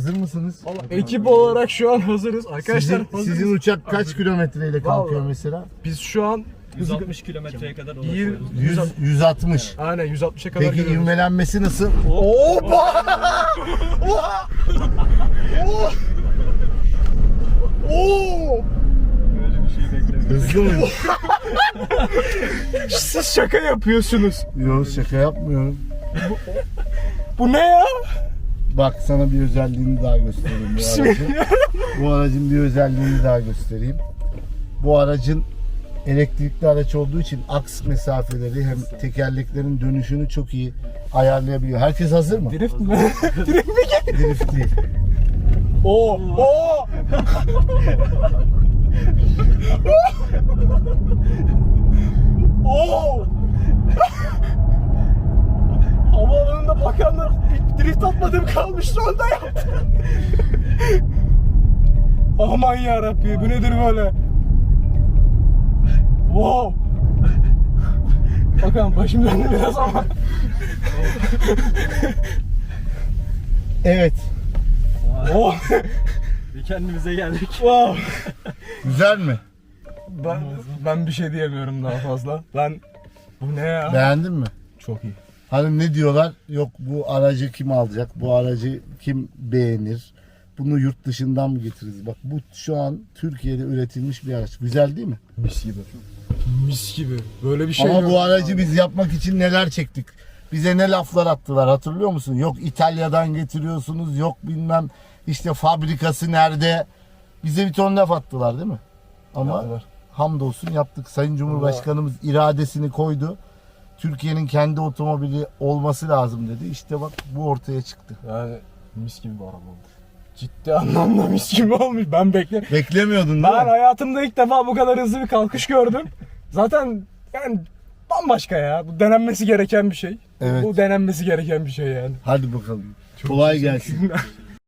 Hazır mısınız? Ekip olarak şu an hazırız. Arkadaşlar Sizin uçak kaç kilometreyle kalkıyor Vallahi. mesela? biz şu an 160 kilometreye kadar ulaşıyoruz. 160. aynen 160'a kadar Peki gidiyoruz. ivmelenmesi nasıl? Hoppa! Oo! Böyle bir şey beklemiyorum. Hızlı mı? Siz şaka yapıyorsunuz. Yok şaka yapmıyorum. Bu ne ya? Bak sana bir özelliğini daha göstereyim bu aracın. Bu aracın bir özelliğini daha göstereyim. Bu aracın elektrikli araç olduğu için aks mesafeleri hem tekerleklerin dönüşünü çok iyi ayarlayabiliyor. Herkes hazır mı? Drift mi? Drift mi? Drift değil. Oo! Oo! Oo! Havaalanında bakanlar drift atmadım kalmış rolda yaptı. Aman yarabbi bu nedir böyle? Wow! Bakalım başım döndü biraz ama. Evet. Oh! Bir kendimize geldik. Wow! Güzel mi? Ben bir şey diyemiyorum daha fazla. Bu ne ya? Beğendin mi? Çok iyi. Hani ne diyorlar? Yok bu aracı kim alacak? Bu aracı kim beğenir? Bunu yurt dışından mı getiririz? Bak bu şu an Türkiye'de üretilmiş bir araç. Güzel değil mi? Mis gibi. Mis gibi. Böyle bir şey Ama yok. bu aracı biz yapmak için neler çektik? Bize ne laflar attılar hatırlıyor musun? Yok İtalya'dan getiriyorsunuz, yok bilmem işte fabrikası nerede? Bize bir ton laf attılar değil mi? Ama Yaptılar. hamdolsun yaptık. Sayın Cumhurbaşkanımız iradesini koydu. Türkiye'nin kendi otomobili olması lazım dedi. İşte bak bu ortaya çıktı. Yani mis gibi bir araba olmuş. Ciddi anlamda mis gibi olmuş. Ben Beklemiyordun değil Ben mi? hayatımda ilk defa bu kadar hızlı bir kalkış gördüm. Zaten yani bambaşka ya. Bu denenmesi gereken bir şey. Evet. Bu denenmesi gereken bir şey yani. Hadi bakalım. Kolay gelsin.